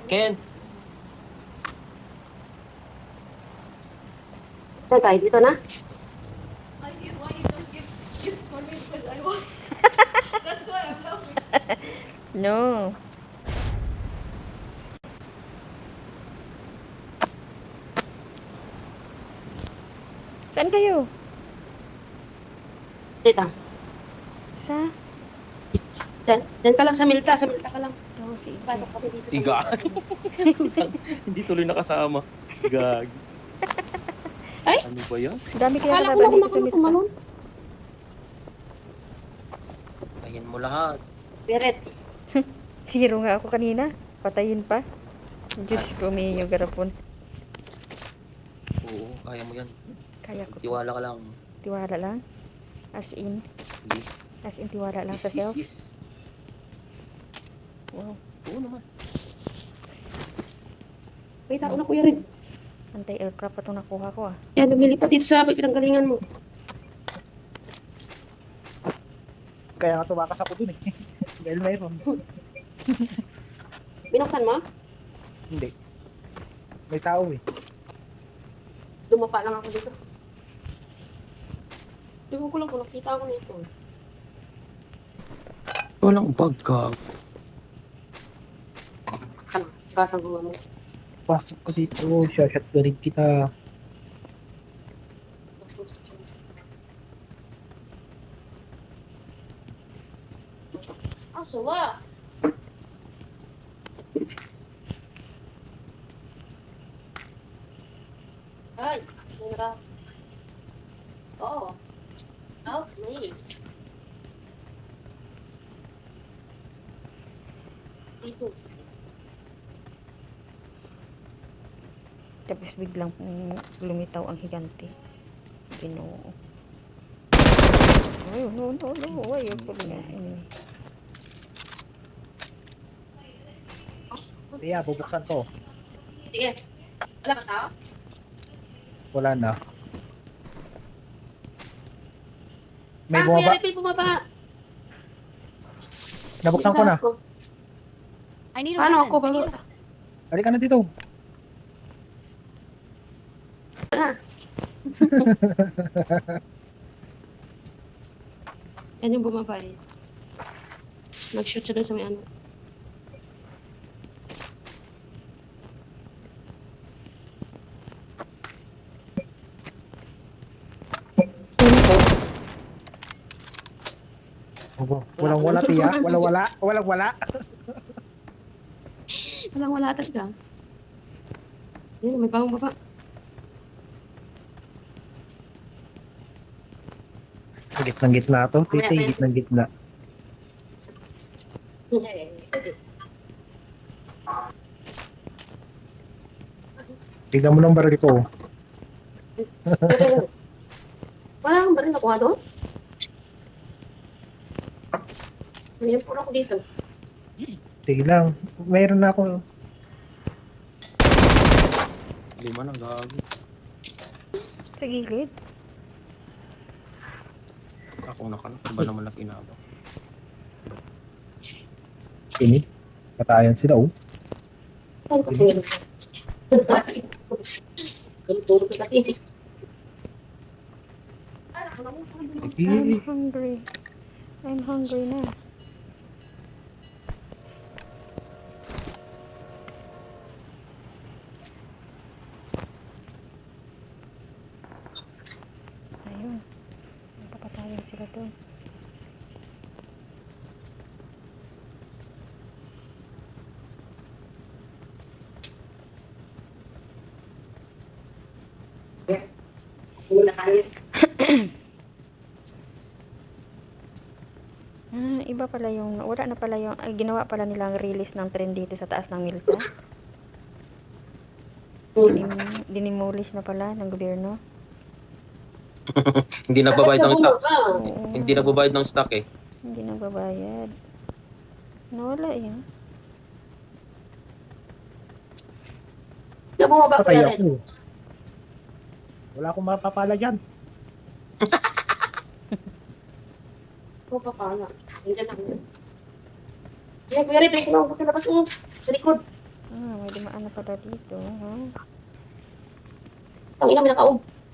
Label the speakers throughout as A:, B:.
A: Ken!
B: Saan tayo? Dito na?
C: I did why you don't give gifts for me because I want. That's why I'm laughing.
D: No. Saan kayo?
B: Dito.
D: Sa?
B: Diyan ka lang sa Milta. Sa Milta ka lang.
D: Oh, sige.
B: Pasok kami dito sa
A: Iga.
B: Milta.
A: Hindi tuloy nakasama. Gag.
B: Ay?
A: Ano ba yan?
D: Dami kaya
B: Akala ko
D: kalaban
B: na
D: dito sa
B: kumakulong
D: Milta.
B: kumalon.
A: Ayan mo lahat.
B: Beret.
D: Zero nga ako kanina. Patayin pa. Diyos ko, may yung garapon.
A: Oo, kaya mo yan.
D: Kaya ko.
A: Tiwala ka lang.
D: Tiwala lang. As in.
A: Yes.
D: As in tiwala lang
A: Yes,
D: sa self.
A: yes.
D: Wow.
A: Oo naman.
B: May tao na kuya rin.
D: Anti-aircraft pa itong nakuha ko ah.
B: Yan, lumilipat dito sa pinanggalingan mo.
E: Kaya nga tumakas ako dun eh. Dahil mayroon.
B: Binuksan mo?
E: Hindi. May tao eh.
B: Dumapa lang ako dito. Tingnan ko lang kung nakita ko nito.
A: Walang bag ka.
B: Saan? Kasang gawa mo.
E: Pasok ko dito. Shotgunin kita.
B: Ah, sawa. Ay, nara. Oo. Okay. Dito.
D: Tapos biglang lumitaw ang higante. Ginoo. Ay, no. Ayaw ko na.
E: Kaya bubuksan ko.
B: Sige. Wala ka tao?
E: Wala na. May
B: Kuya
E: bumaba.
B: Rick, may bumaba.
E: Nabuksan ko na.
C: I need a
B: Paano
C: weapon.
B: ako bago?
E: Halika na dito.
B: Yan yung bumaba eh. Nag-shoot siya dun sa may ano.
E: Walang wala tiya. Walang wala. Walang wala.
B: Walang wala talaga. Yan, may bagong baba.
E: Gitnang gitna to. Titi, gitnang gitna. Tignan mo ng baril ko.
B: Wala kang baril nakuha doon? Ngayon puro ako dito.
E: Sige lang. Mayroon na ako.
A: 5 na, gago.
D: Sa gilid.
A: Ako na ka na. Iba naman na pinabak.
E: Ini. Patayan sila oh.
B: Saan ka tingin? Ganito ka kasi.
D: I'm hungry. I'm hungry na. Ayun. Magpapatayan sila doon.
B: Wala kayo.
D: Iba pala yung, wala na pala yung, ginawa pala nilang release ng trend dito sa taas ng Milta. Dinimolish na pala ng gobyerno.
A: Hindi nagbabayad ng stock.
D: Oo,
A: Hindi nagbabayad ng stock eh.
D: hindi nagbabayad. Nawala yan.
B: Bumaba
E: Patay
B: kuya rin.
E: ako. Wala akong mapapala dyan.
B: Bumaba na. Nandiyan lang. Yan, kuya rin. Tingnan mo. Labas mo. Sa likod.
D: May dumaan na pala dito. Ha?
B: Ang ina, may nakaog.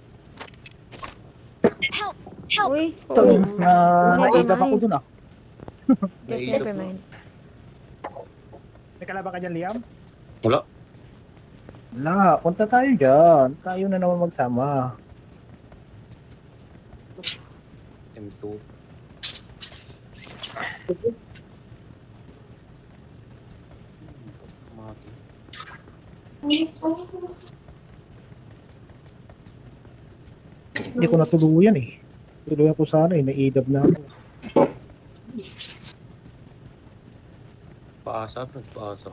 D: Uy,
E: Sorry,
D: oo.
E: naidap ako dun ah.
D: Just
A: Naidap
D: never
A: mo.
D: mind.
E: May kalaban ka dyan, Liam?
A: Wala.
E: Wala, punta tayo dyan. Tayo na naman magsama.
A: M2. Mati.
E: Hindi ko natuluyan eh. Tuluyan ko sana eh, naidab na ako.
A: Paasa, Brad. Paasa.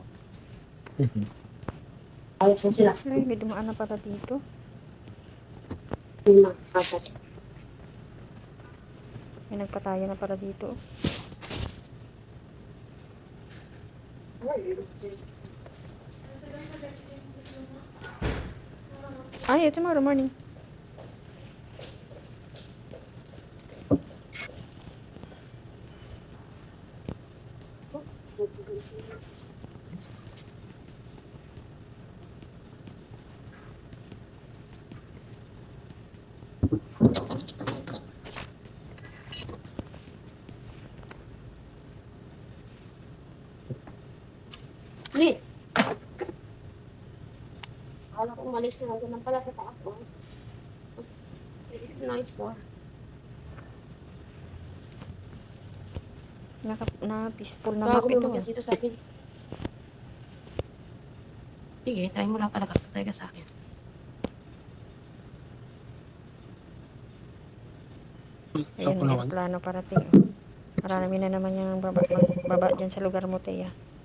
B: Ayos na sila.
D: Ay, may dumaan na pala dito.
B: Yung mga kasat.
D: May nagpataya na pala dito. Ay, tomorrow morning.
B: Hindi. Akala ko umalis na. Ganun pala sa taas ko. Nice po.
D: Na-peaceful na
B: Gago
D: map ito.
B: umakyat dito sa akin. Sige, try mo lang talaga. Try ka sa akin.
D: Ayun,
A: Ako
D: may
A: naman.
D: plano parating. Marami na naman yung baba dyan sa lugar mo, Teya.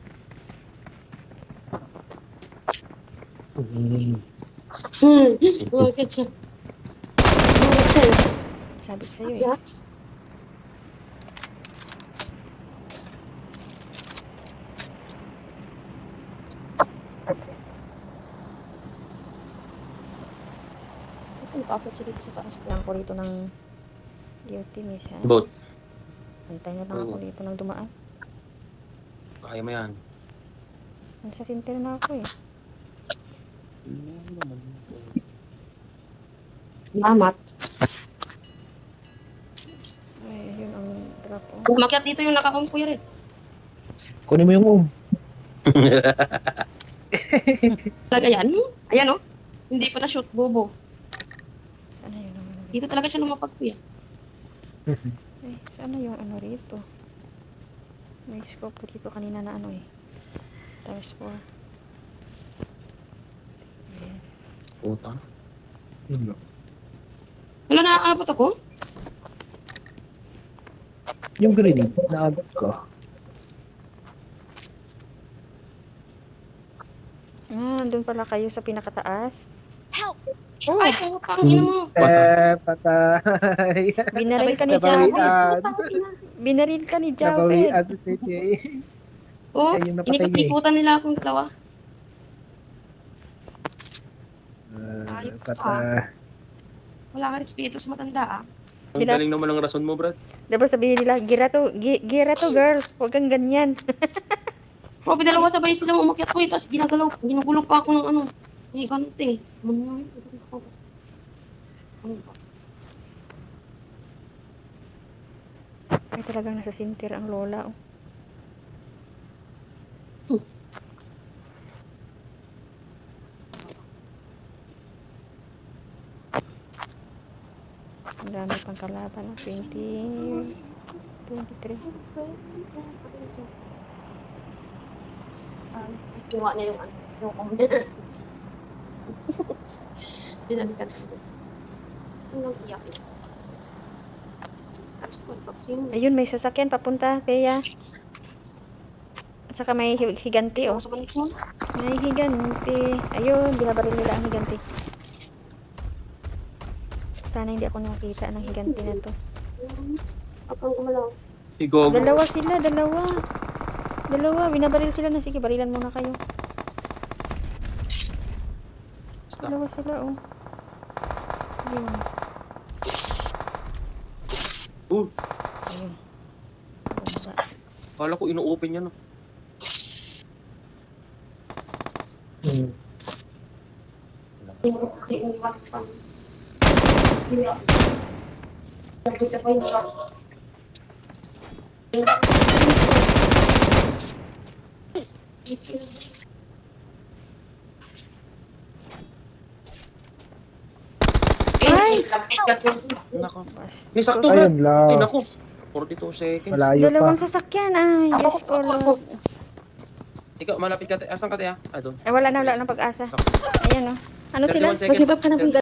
B: Umakyat siya. Umakyat siya.
D: Sabi ko sa'yo eh.
B: Yeah. Nag-akyat siya dito sa taas po.
D: Lang ko rito ng duty miss ha.
A: Boat.
D: Antay na lang ako dito ng dumaan.
A: Kaya mo yan.
D: Nasa sinter na ako eh.
B: Salamat.
D: Ay, yun ang drop oh.
B: Umakyat dito yung nakakompuyer eh.
E: Kunin mo yung
B: Talaga yan. Ayan oh. Hindi pa na-shoot, bobo.
D: Sana yun ang ano rito?
B: Dito talaga siya lumapag kuya.
D: Ay, sana yung ano rito? May scope ko dito kanina na ano eh. Times 4. Ayan.
A: Puta.
B: Wala naaabot ako.
E: Yung grenade, naabot ko.
D: Doon pala kayo sa pinakataas.
B: Ay, putang ina mo.
E: Patay.
D: Binaril ka ni
E: Nabawian.
D: Japet. Binaril ka ni Japet.
E: Nabawian si CJ.
B: Oh,
E: Ayun, napatay niya eh.
B: inikot-ikutan nila akong dalawa.
E: Patay.
B: Wala ka respeto sa matanda ah.
A: Ang galing naman ang rason mo, Brad.
D: Diba sabihin nila, gira to girl. Huwag kang ganyan.
B: Probe, dalawa sabay silang umakyat ko eh. Tapos ginugulo pa ako ng ano. May ganti. Ano ba?
D: Ay, talagang nasa sinter ang lola. Oh. Ang dami pang kalaban. 23.
B: Kinuha niya yung ano. Yung comment. Binalikan ko. Anong iyak yun? Sabi ko, vaccine.
D: Ayun, may sasakyan papunta, Teya. At saka may higanti, oh.
B: Sa balik mo.
D: May higanti. Ayun, binabaril nila ang higanti. Sana hindi ako nakakita ng higanti na to.
B: Apang kumalaw.
A: Si Gogo.
D: Dalawa sila, dalawa. Binabaril sila na. Sige, barilan muna kayo. Dalawa sila, oh. Ayun. Ayun. Bumba.
A: Kala ko ino-open yan.
E: Hmm.
D: Ay!
A: Nako.
D: Bastos.
A: May sakto, Brad.
E: Ayun
A: Ay,
E: lang.
A: nako. 42 seconds.
E: Malayo pa.
D: Dalawang sasakyan. Ay, Diyos ko, Lord.
A: Ikaw, malapit ka. Asan ka, te? Ah, doon.
D: Ay, wala na pag-asa.
A: Sakto.
D: Ayan, oh. Ano sila?
A: 31 seconds.
B: Mag-give up ka na, boy.